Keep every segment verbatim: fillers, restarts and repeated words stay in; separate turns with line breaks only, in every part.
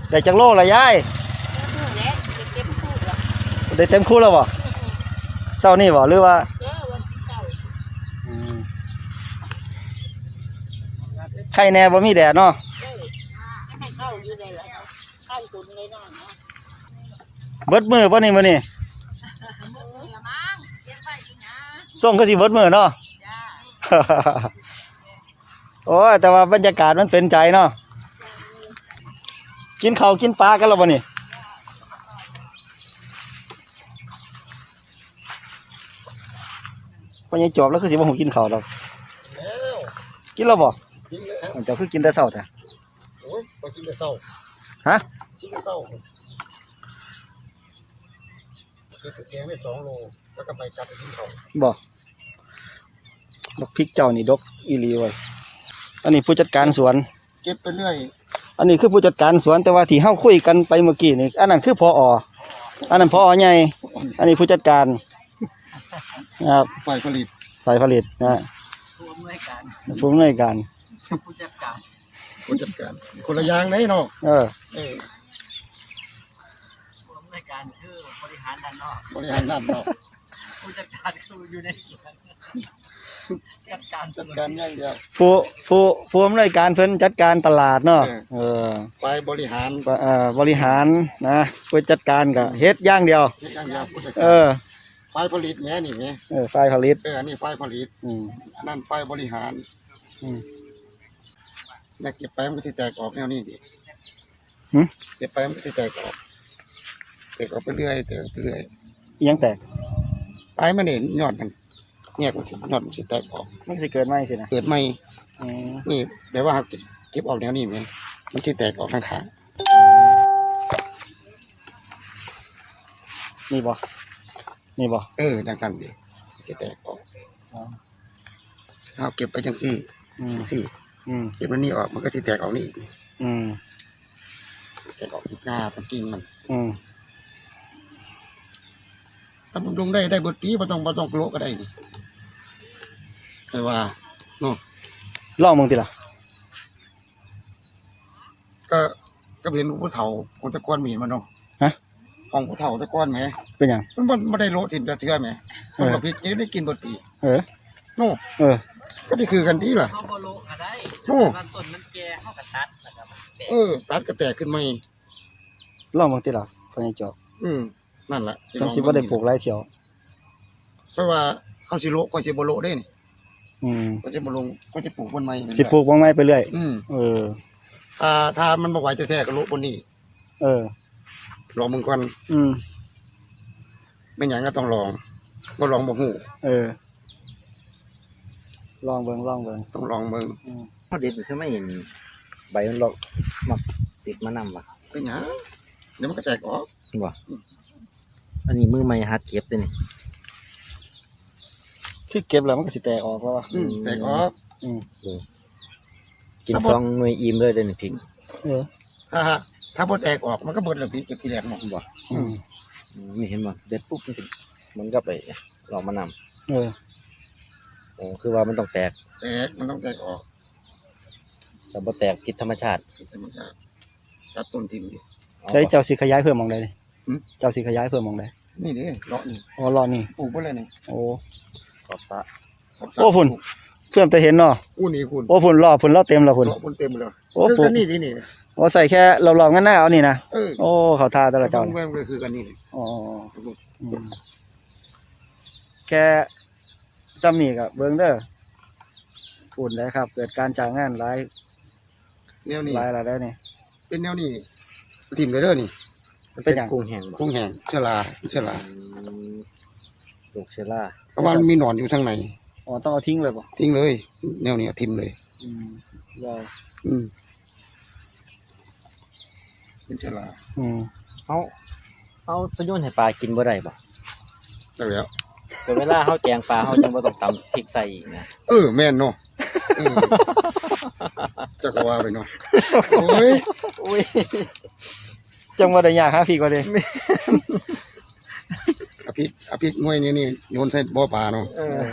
ได้จักโลละยายได้เต็มคู่แล้วบ่เช้านี่บ่หรือว่าไข่แน่บ่มีแดดเนาะเบิดมือป่ะนี่มื้อนี้ส่งก็สิเบิดมือเนาะโอ้ยแต่ว่าบรรยากาศมันเป็นใจเนาะกินข้าวกินปลากันแล้วบ่นี่พอยังจบแล้วคือสิบ่ฮู้กินข้าวดอกกินแล้วบ่เจ้าคือกินแต่เช้าแท้
โอ้ยบ่กินแต่เช้า
ฮะ
กินแต่เช้ากินแกงได้สองโลแล้วก็ไปจับไปกินข้าว
บ่ดอกพริกเจ้านี่ดกอีหลีเว้ยอันนี้ผู้จัดการสวน
เก็บไปเรื่อย
อันนี้คือผู้จัดการสวนแต่ว่าที่เฮาคุยกันไปเมื่อกี้นี่อันนั้นคือผอ.อันนั้นผอ.ใหญ่อันนี้ผู้จัดการครับ
ฝ่ายผลิต
ฝ่ายผลิตนะผู้อำนวยการผู้อำนวยการ
ผู้จัดการผู้จัดการคนละอย่างไหนเนาะ
เออ
เออ
ผู้อำนวยการคือบริหารด้านนอก
บริหารด้านนอก
ผู้จัดการคืออยู่ในสวนจัดการ
จัดการอย่างเดียว
ผู้ผู้ผู้อำนวยการเพิ่นจัดการตลาดเนาะเออ
ฝ่ายบริหาร
เอ่อบริหารนะผู้จัดการก็เฮ็ดอย่างเดียว
เฮ็ดอย่างเดียวผู้จัด
การเออ
ฝ่ายผลิตแม่นี่แม่
เออฝ่ายผลิต
เอออันนี้ฝ่ายผลิตอืมอันนั้นฝ่ายบริหารอืมแล้วเก็บไปมันก็สิแตกออกแนวนี้ดิหึเก็บไปมันก็สิแตกออกแตกออกไปเรื่อยแตกไปเรื่อย
อีหยังแตก
ไปมันนี่ยอดมันแยกมันสิยอดมันสิแตกออก
มันสิเกิดใหม่สินะ
เกิดใหม่อืมนี่แปลว่าเก็บออกแนวนี้แม่มันสิแตกออกข้าง
ๆนี่บ่นี่บ่
เออจังซั่นดิสิแตกออกอ๋อเอาเก็บไปจังซี่อืมซี่อืมเก็บมันนี่ออกมันก็สิแตกออกนี่อีกอืมแตกออกอีกหน้าเป็นกิ่งมันอืมถ้าบำรุงได้ได้เบิดปีบ่ต้องบ่ต้องโลก็ได้นี่แต่ว่าเนาะ
ลองมึงติล่ะ
ก็ก็เห็นผู้เฒ่าคนตะก้อนมีมันเนาะฮะของผู้เฒ่าตะก้อนแหม
เป็นหยัง
มันบ่บ่ได้โลถิ่มจะเชื่อแหมมันก็พริกจะได้กินเบิดปี
เออ
โน่เออก็สิคือกันติล่ะ
เฮาบ่โลก็ได้
โน่
ต้นมันแก่เฮาก็ตัดแล้วก็มันแตก
เออตัดก็แตกขึ้นใหม่
ลองมึงติล่ะพอยังจบ
อืมนั่นล่ะ
จังสิบ่ได้ปลูกหลายเที่ยว
เพราะว่าเขาสิโลก็สิบ่โลได้นี่
อืม
ก็จะบ่ลงก็จะปลูกต้นไม้
สิปลูกต้นไม้ไปเรื่อย
อืม
เออ
อ่าถ้ามันบ่ไหวแท้ๆก็โลบนนี้
เออ
ลองมึงก่อนอืมไม่หยังก็ต้องลองบ่ลองบ่ฮู้
เออลองเบิ่งลองเบิ่ง
ต้องลองเบิ่ง
อืมเฮาเด็ดคือไม่เห็นใบมันหรอกมักติดมานำว่ะ
เป็นหยังเดี๋ยวมันก็แตกออก
บ่อันนี้มือใหม่หัดเก็บเด้นี่
คือเก็บแล้วมันก็สิแตกออกแล้วว่ะ
อืมแตกออกอืม
กินสองหน่วยอิ่มเลยเด้นี่พริก
เออ
ถ้าถ้าบ่แตกออกมันก็เบิดแล้วพี่เก็บทีแรกเนาะ
บ่อืมนี่เห็นบ่เด็ดปุ๊บมันสิมันก็ไปลองมานำ
เออ
โอ้คือว่ามันต้องแตก
แตกมันต้องแตกออก
แต่บ่แตกผิดธรรมชาติ
ผิดธรรมชาติตัดต้นทิ่มดิ
ใช้เจ้าสิขยายเพิ่มหม่องใดนี่เจ้าสิขยายเพิ่มหม่องใด
นี่ดิเลาะนี่
อ๋อเลาะนี่
ปลูกบ่เลยนี่
โอ้
ขอบตา
โอ้พุ่นเพิ่มแต่เห็นเนาะ
อู้นี่คุณ
โอ้พุ่นรอพุ่นรอเต็มแล้วพุ่น
รอพุ่นเต็มแล้ว
โอ้ปลูก
นี่สินี่
โอ้ใส่แค่รอบๆงั้นหน้าเอานี่นะ
เออ
โอ้เขาทาแต่ละเจ้า
มันก็คือกันนี่
อ๋อแค่ซ้ำนี่ก็เบิ่งเด้อพุ่นได้ครับเกิดการจ้างงานหลาย
แนวนี้
หลายหลายได้นี่
เป็นแนวนี้ทิ่มเลยเด้อนี่
เป็นหยัง
กุ้งแห้งบ่
กุ้งแห้งเชื้อราเชื้อรา
ปลูกเชื้อรา
เพราะว่ามันมีหนอนอยู่ข้างใน
อ๋อต้องเอาทิ้งเลยบ่
ทิ้งเลยแนวนี้ทิ่มเลย
อืมยาว
อืมเป็นเชื้อรา
อืม
เฮาเฮาไปโยนให้ปลากินบ่ได้บ่
ได้แล้ว
แต่เวลาเฮาแกงปลาเฮาจังบ่ต้องตำพริกใส่อีกนะ
เออแม่นเนาะเออจักว่าไปเนาะโอ้ย
โอ้ย
จังว่าได้ยากหาพริกว่าเด้
อภิอภิหน่วยนี้นี่โยนใส่บ่อปลาเนาะ
เออ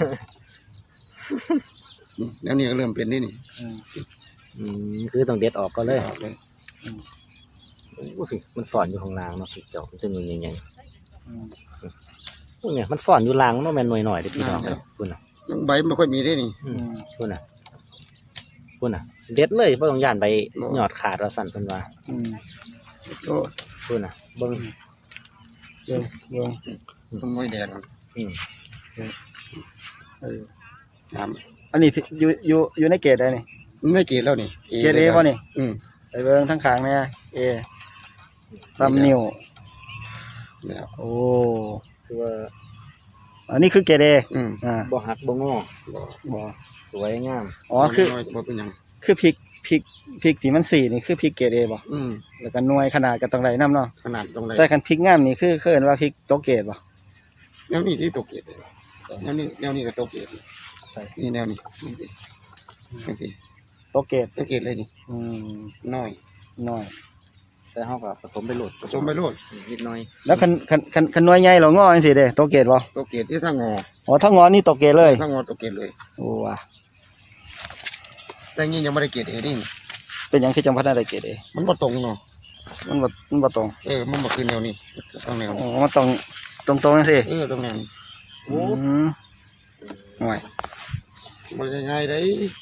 แล้วนี่ก็เริ่มเป็นนี่นี่
อืมคือต้องเด็ดออกก็เลย
เลย
โอ้โอ้ยมันสอนอยู่ข้างล่างเนาะพี่เจ้ามันจะหน่วยใหญ่ๆพวกเนี่ยมันสอนอยู่ล่างเนาะแม่นหน่วยหน่อยเด้อพี่น้องครับคุณน่ะ
ยังใบไม่ค่อยมีได้นี่
อืมคุณน่ะคุณน่ะเด็ดเลยบ่ต้องย่านใบหยอดขาดว่าสั่นเพิ่นว่า
อืม
โอ้
คุณน่ะเบิ่ง
เบิ่งเบิ่ง
ต้องน้อยแดง
อืม
เออ
น้
อันนี้ที่อยู่อยู่อยู่ในเกตได้นี่
ำไม่เกลียดแล้วนี่
เกตเอป่ะนี่
อืม
ใส่เบิ่งทั้งขางเนี่ยเอซัมนิ้ว
แล้ว
โอ้
คือว่า
อันนี้คือเกตเอ
อืม
อ่า
บ่หักบ่งอ
บ่
บ่
สวยงาม
อ๋อคือ
น้อยบ่เป็นหยัง
คือพริกพริกพริกที่มันสีนี่คือพริกเกรดเอบ่
อืม
แล้วก็หน่วยขนาดก็ต้องได้นํเนาะ
ขนาดตรงไหน
แต่คันพริกงามนี่คือคือเอิ้นว่าพริกตกเกรดบ่
แนวนี้ที่ตกเกลียดเลยแนวนี้แนวนี้ก็ตกเกลียด
ใส่
นี่แนวนี้นี่สินี่สิ
ตกเกรด
ตกเกลียดเลยนี่
อืม
น้อย
น้อย
แต่เฮาก็ผสมไปโหลด
ผสมไปโลด
นิดหน่อย
แล้วคันคันคันคันหน่วยใหญ่เรางอจังซี่เด้ตกเกรดบ่
ตกเกลียดที่ถ้างอ
อ๋อถ้างอนี่ตกเกรดเลย
ถ้างอตกเกลียดเลย
โอ้ว่ะ
แต่งี้ยังไม่ได้เกลียดเอนี่
เป็นหยังคือจังพัดได้เกรดเอ
มันบ่ตรงเนาะ
มันบ่มันบ่ตรง
เออมันบ่คือแนวนี้ต้องแนว
อ๋
นี้
อมันต้องตรงๆจังซี่
เออต้องแนวนี้
อืมห่วย
บ่ง่ายๆได้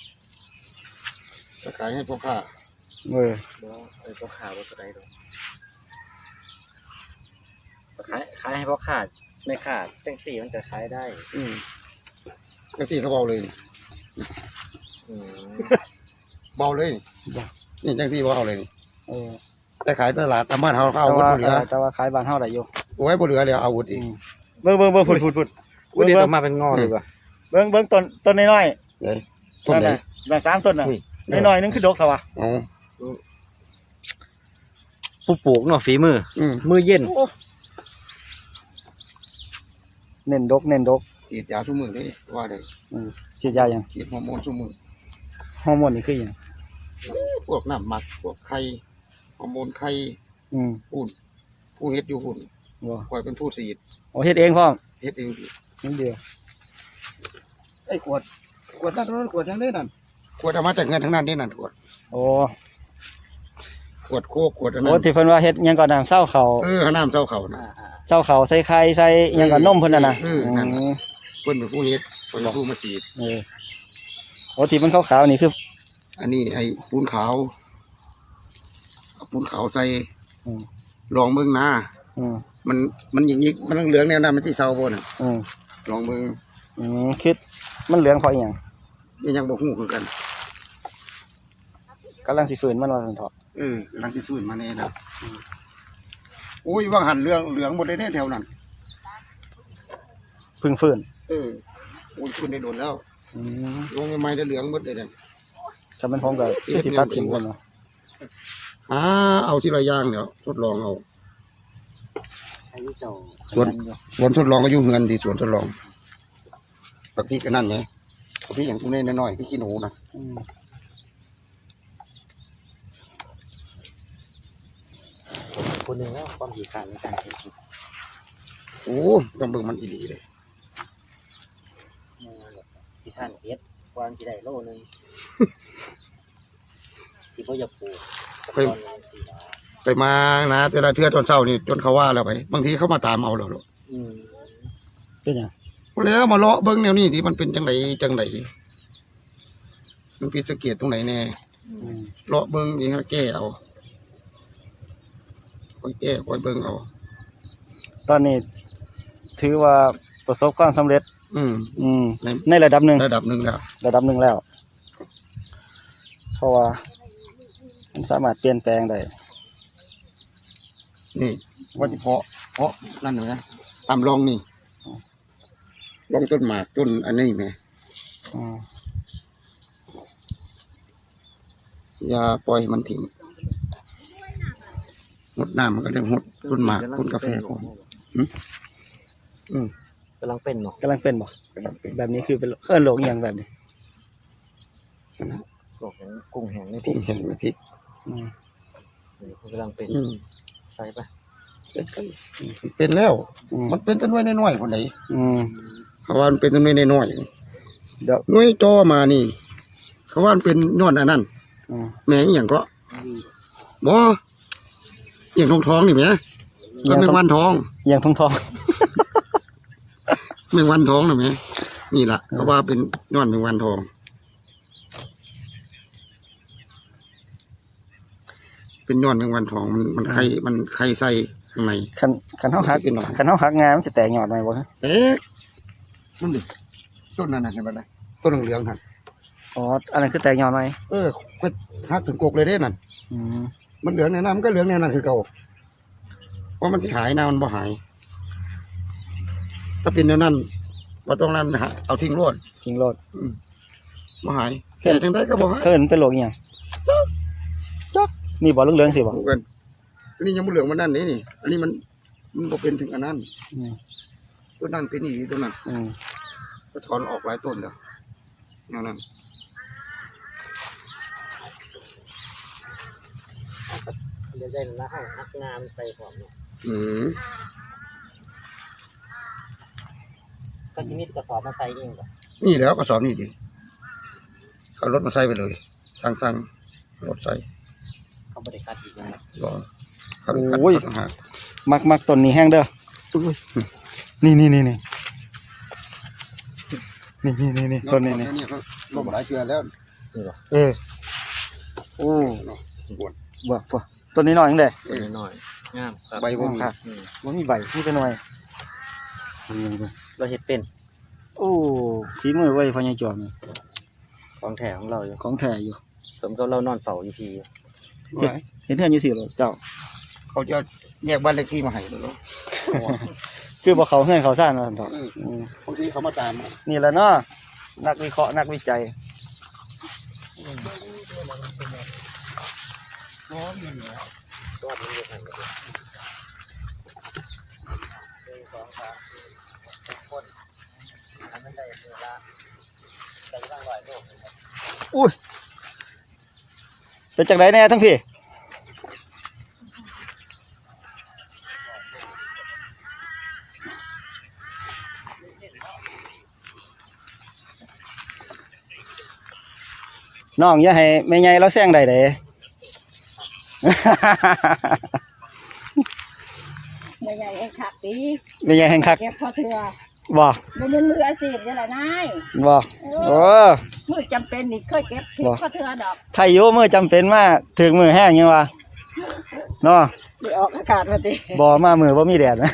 จะขายให้พ่อค้า
เออ
บ่ไอ้พ่อค้าบ่เท่าใดดอกขายขายให้พ่อค้าไม่ค้าจังซี่มันก็ขายได้
อืมจังซี่เขาเบาเลย
อืม
เบาเลยนี่จังซี่เบาเลยนี่
เออ
แต่ขายตลาดตามบ้านเฮาเขา
แต่
เอาอาวุธ
ว่า
บ่เหลือ
แต่ว่าขายบ้านเฮาได้อยู่
โอ้ยบ่เหลือแล้วเอาอาวุธอีก
เบิ่งเบิ่งเบิ่งพุ่นพุ่นพุ่น
อุ้ยเดี๋ยวออกมาเป็นงอเลยว่ะ
เบิ่งเบิ่งต้นต้นน้อย
เลย
ๆ
ต้นไหน
ะนั่นสามต้นน่ะ
อุ้ย
น้อยๆนึงคือดกซะวะ
อ๋อ
ผู้ปลูกเนาะฝีมือ
อืม
มือเย็น
เน้นดกเน้นดก
ฉีดยาทุกมื้อเลยว่าได้
อืมฉีดยายัง
ฉีดฮอร์โมนทุกมื้อ
ฮอร์โมนนี่คือหยัง
พวกน้ำหมักพวกไข่ฮอร์โมนไข่
อืม
พูนผู้เฮ็ดอยู่พุ่น
บ่
คอยเป็นผู้ฉีด
โอ้เฮ็ดเองพร้อม
เฮ็ดเอง
นิดเดียว
ไอ้ขวดขวดนั่นขวดยังได้นั่นขวดเอามาจากเงินทั้งนั้นได้นั่นขวด
โอ้
ขวดโคกขวดอัน
โอ้
นั้น
ที่เพิ่นว่าเฮ็ดหยังก่อนน้ำเศร้าเขา
เออน้ำเจ้าเขานะ
เศร้าเขาใส่ไข่ใส่หยังก่อนนมเพิ่นน่ะนะ
เออนั่นน่ะ
อืม
เพิ่นเป็นผู้เฮ็ดเพิ่นเป็นผู้มาฉีด
เออโอ้ที่มันขาวๆนี่คือ
อันนี้ไอ้ปูนขาวเอาปูนขาวใส่
อืม
ลองเบิ่งนะ
อืม
มันมันอย่างนี้มันเหลืองแนวนั้นมันสิเศร้าบ่น่ะ
อืม
ลองเบิ่ง
อืมคือมันเหลืองเพราะอีหยัง
นี่ยังบ่ฮู้คือกัน
กำลังสิฟื้นมันว่าซั่นเถาะ
เออกำลังสิฟื้นมาแน่นะโอ้ยว่างหันเหลืองเหลืองหมดเลยแน่แถวนั้น
เพึ่งฟื้น
เออโอ้ยฟื้นได้โดนแล้ว
อืม
ลงใหม่ๆจะเหลืองหมดเลยนั่น
ถ้ามันพร้อมก็คือสิตัดทิ้งเพิ่นเนาะ
อ่าเอาที่ละอย่างเดี๋ยวทดลองเอา
อายุเจ้า
ส่วนสวนทดลองก็อยู่เงินที่สวนทดลองปักพริกกันนั่นไงปักพริกอย่างตุ้นน้อยๆพี่ขี้หนูนะ
อืม
คนหนึงแล้วความขี้ขลาดในการเฮ็ด
โอ้ต้องเบิ่งมันอีหลีเลย
ที่ท่านเฮ็ดวางที่ได้โลนึงที่บ่อยากปลูก
ไปไปมานะแต่ละเทื่อตอนเช้านี่จนเขาว่าแล้วไปบางทีเขามาตามเอาแล้วลูก
อืม
เป็นหยัง
แล้วมาเลาะเบิ่งแนวนี้ที่มันเป็นจังไดจังไดมันผิดสังเกตตรงไหนแน่
อืม
เลาะเบิ่งนี่แก้เอาคอยแก้คอยเบิ่งเอา
ตอนนี้ถือว่าประสบความสำเร็จ
อืม
อืม
ใน
ในระดับหนึ่ง
ระดับหนึ่งแล้ว
ระดับหนึ่งแล้ว เพราะว่ามันสามารถเปลี่ยนแปลงได้
นี่ว่าจะเพาะเพาะนั่นเหรอตามลองนี่ลองต้นหมากต้นอันนี้ไหม
อืม
อย่าปล่อยให้มันทิ้งหดน้ำมันก็เรียกหดต้นหมากต้นกาแฟก่อนอืม
กำลังเป็นเนาะ
กำลังเป็นบ่
กำลังเป็น
แบบนี้คือเป็นเคลื่อนโลกอหย่างแบบนี้
นะ
พวกของกุ้งแห้งในพริ
พุ่
ก
งแห้งไม่พริก
อืม
นี่กำลังเป็น
อืม
ใส่ไป
เสร็จกันมันเป็นแล้ว
อืม
มันเป็นต้นน้อยน้อยๆคนไหน
อืม
เขาว่ามันเป็นต้นน้อยน้อย
เดี๋ยว
ๆน้อยจอมานี่ เขาว่ามันเป็นย้อนอันนั้น
อืม
แม่งอหย่างก็บ่เอียงทองทองนี่ไหมก็แมงวันทอง
เอียงทองทอง
แมงวันทองนี่ไหมนี่แหละเพราะว่าเป็นย้อนแมงวันทองเป็นย้อนแมงวันทองมันมันไข่มันไข่ใส่ข้างใน
คันคันเฮาหัก
เป็นหน่อย
คันเฮาหักงามันสิแตกยอดไหมบ่ฮะ
เอ๊ะนั่นดิต้นนั่นน่ะเห็นไหมล่ะต้นเหลืองๆนั่น
อ๋ออันนั้นคือแตกยอดไหม
เออก็หักถึงกกเลยเด้นั่น
อืม
มันเหลืองในน้ำมันก็เหลืองในนั้นคือเก่าเพราะมันสิหายนะมันบ่หาย ถ้าเป็นแนวนั้นว่าต้องนั้นหาเอาทิ้งรวด
จริงโลด
บ่หายแค่จังได้ก็บ่หาย
เคยเห็นเป็นโรคอีหยังจักนี่บ่เหลืองๆสิบ่
เหมือนกันอันนี้ยังบ่เหลืองมันนั่นนี่นี่ อันนี้มันมันบ่เป็นถึงอันนั้น
อืม
ตัวนั้นเป็นอีกตัวนั้น
อืม
ก็ถอนออกหลายต้นแล้วแนวนั้น
เดี๋ยวได้แล้วให้หักงามไปพร้อมเนาะ
อืม
ก็จะมีกระสอบมาใส่เองบ่
นี่แล้วกระสอบนี่ดิเอารถมาใส่ไปเลยสั่งสั่งรถใส่
เขาบ่ได้คัดอีกนะ
รอเขาไปคัดต่างหาก
มักมักต้นนี้แห้งเด้อนี่นี่นี่นี่นี่นี่นี่นี่ต้นนี้นี่
นี่เขาลงหลายเชือแล้ว
เออโอ้
เนาะบวน
บ่บ่ต้นนี้น้อยจังได๋
ตัวน้อยงามครับ
ใบบ่มี
ครับ
อืม
บ่มีใบมีแต่หน่วย
เราเฮ็ดเป็น
โอ้ฝีมือไว้พ่อใหญ่จอมนี่
ของแท้ของเราอยู่
ของแท้อยู่
สมกับเรานอนเฝ้าอยู่พี่
เห็นเฮือนอยู่สิเหรอเจ้า
เขาจะแยกบ้านเลขที่มาให้เลยเนาะ
คือบ่เขาเฮือนเขาซ่านว่าซั่นเถาะ
อืม
อืม
บางทีเขามาตาม
นี่แหละเนาะนักวิเคราะห์นักวิจัย
อ๋อนี่เหรอ
รอดมันอยู่หั่นเลย
อุ้ยเป็นจังไดแน่ทั้งพี่น้องอย่าให้แม่ใหญ่เราแซงได้เด้
ไม่ใหญ่เองคักดี
แม่ใหญ่แห่งคัก
เก็บพอเถื่อ
บ่
บ่เป็นมืออาชีพนี่แหละนาย
บ่โอ้
มือจำเป็นนี่เคยเก็บเก็บ
บ่
พอเถื่อดอก
ไทยอยู่มื้อจำเป็นมาถึงมื้อแห้งยังวะเนาะ
ที่ออกอากาศมาติ
บ่มามื้อบ่มีแดดนะ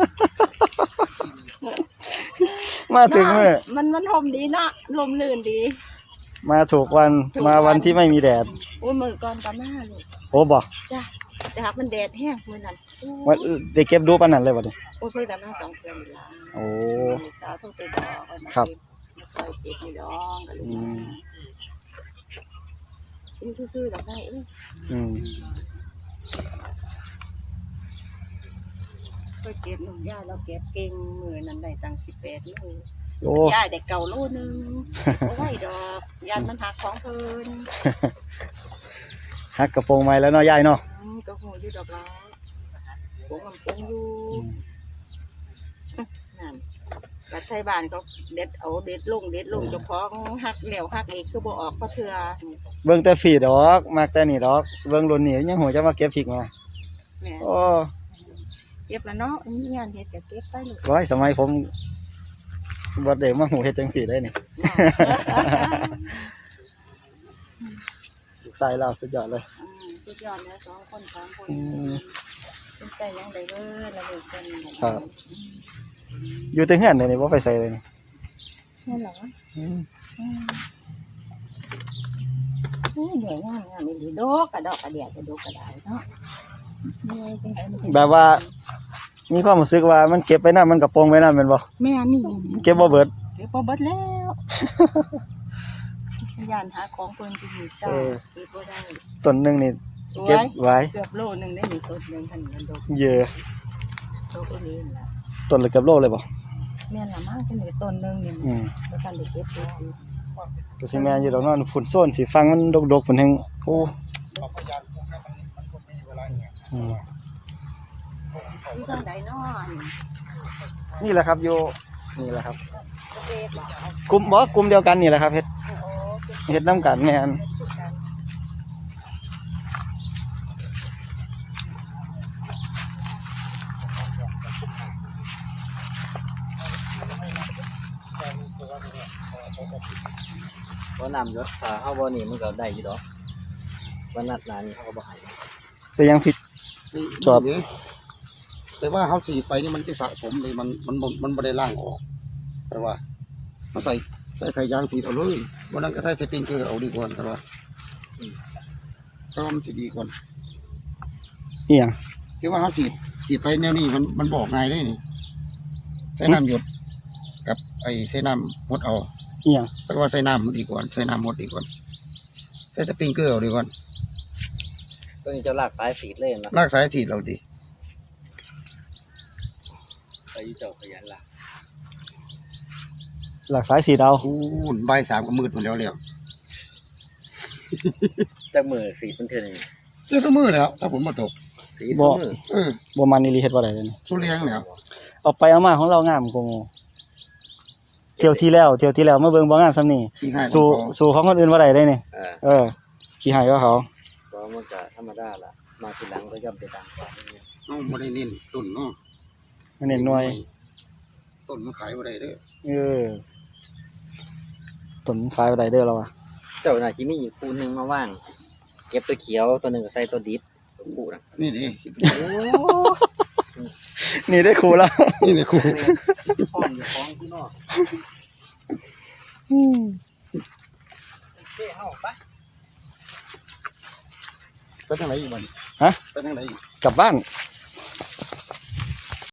มาถึงมื้อ
มันมันห่มดีเนาะลมลื่นดี
มาถูกวันมาวันที่ไม่มีแดด
โอ้ยมือก่อนก็มาลูก
โอ้บ่
จ้ะแต่หากมันแดดแห้งมื้อนั้นโอ้
วันได้เก็บดูปานนั้นเลยบ่ดิ
โอ้ยเพิ่นก็มาสองเทื่อนี่ล่ะ
โอ้
ลูกสาวโทรไปบอกว่ามา
ครับ
เก็มาซอยเก็บนี่ดองก็เลย
อืม
อยู่ซื่อๆดอกได้เอ้ย
อืม
เคยเก็บหนุ่มย่าเราเก็บเก่งมือนั้นได้ตั้งสิบแปดโล
โอ้
ย่าได้เก่าโลนึงเอาไว้ดอกยันมันหักของเพิ่น
ฮักกระโปรงไม้แล้วเนาะยายเนาะ
อืมก็หูอยู่ดอกละปงมันปงอยู่นั่นกัดไทยบ้านเขาเด็ดเอาเด็ดลงเด็ดลงเจ้าของหักเหลวหักเอกคือบ่ออกเพราะเถื่อ
เบิ่งแต่ฟีดดอกมักแต่นี่ดอกเบิ่งรุ่นนี้ยังหัวจะมาเก็บพริกมา
แหม่
โอ้
เก็บแล้วเนาะมีงานเฮ็ดก็เก็บไปลูก
ร้อยสมัยผมบ่ได้มาหูเฮ็ดจังซี่ได้นี่ ลูกชายเราสุดยอดเลย
อืมสุดยอดแล้วสองคนสามคน
อืม
เป็นใจยังได้เบิดแล้วลูกเพิ่น
ครับ อยู่แต่เฮือนเลยนี่บ่ไปไสเลยนี่
นั่นเหรอ
อืม
อืมอืมเหนื่อยงานงานนี่ดอกกระดอกกระเดียดกระดอกกระดายเนาะเหนื่อยจังไดมันถึง
แบบว่า มีความรู้สึกว่ามันเก็บไปนำมันกระโปรงไปนำแม่นบ่
แม่นี่
เก็บบ่เบิด
เก็บบ่เบิดแล้วยานหาของเพิ่นที่มีซ่า
เออ
เก็บบ่ได้
ต้นหนึงนี่
สว
เก็บ
ย
ไว้
เกือบโลนึงได้นี่ต้นหนึงทันเงินดอก
เยอะ
ดอกเอเลนล่ะ
ต้นละเกือบโลเลยบ่
แม่นละมั้งจังได๋ต้นหนึงนี่
อืม
บ่ทันได้เก็บแล้ว
ก็สิแม่นอยู่ดอกเนาะฝุ่นโซนสิฟังมันดกๆพุ่นแฮงโอ้
เราพยายามปลูกให้มันมันก็มีเวลาเนี่ย
อืม
อยู่ทางใดเนาะนี่
นี่แหละครับอยู่นี่แหละครับ
ประเทศบ่เอา
กลุ่มบ่กลุ่มเดียวกันนี่แหละครับเฮ็ด
โอ้เก็บ
เฮ็ดนํกันแม่น
สุดกัน
เพราะน้ำยศถ้าเฮาบ่นี่มันก็ได้อยู่ดอกวันนัดหนานี่เขาก็บ่ให้
แต่ยังผิด ชอบ
นี่แต่ว่าเขาสีดไปนี่มันจะสะสมเลยมันมันบ่มันไม่ได้ล่างออกแต่ว่าเขาใส่ใส่ไข่ยางสีดเอาเลยวันนั้นก็ใส่สปริงเกอร์เอาดีกว่าแต่ว่าก็มันสีดีกว่า
เอียง
คือว่าเขาสีดสีดไปแนวนี้มันมันบอกไงได้นี่ใส่น้ำหยดกับไอ้ใส่น้ำหดเอา
เอียง
แปลว่าใส่น้ำดีกว่าใส่น้ำหดดีกว่าใส่สปริงเกอร์เอาดีกว่า
ตัวนี้จะลากสายสีดเลยนะ
ลากสายสีดเราดี
ไปอยู่เจ้าขยันลาก
หลักสายสีดาว
คูณใบายสามก็มืดหมดแล้วแล้ว
จักมือสีดมันเท่านี้
เจ้ามือแล้วถ้าผมมาตก
สีดซุมือ
เออ
บ่มันอีหลีเฮ็ดบ่ได้เลยนี่
ทุเรียงแล้ว
เอาไปเอามาของเรางามกว่าหมู่เที่ยวที่แล้วเที่ยวที่แล้วมาเบิ่งบ่งามซำนี้
ขี้ให้
สู่
ของ
สู่ของคนอื่นบ่ได้เลยนี่
เออ
เออขี้หายก็เขา
ก็มันก็ธรรมดาล่ะมาทีหลังก็ย่อมไปตามความนี่
น้องไม่ได้เน้นต้นเนาะ
อันนี้หน่วย
ต้นมันขายบ่ได้เด้อ
เออต้นขายบ่ได้เด้อเราอ่ะ
เจ้าน่าสิมีอีกคู่หนึงมาว่าง เก็บตัวเขียวตัวหนึงก็ใส่ตัวดิบตัวคู่น่ะ
นี่ดิ
โอ้
นี่ได้ครูแล้ว
นี่ในครู
ฟ้อนอยู่ฟ้องที่นอกเจ้เฮาไป
ไปทางไหนอีกบ้าน
ฮะ
ไปทางไหนอีก
กลับบ้าน
อ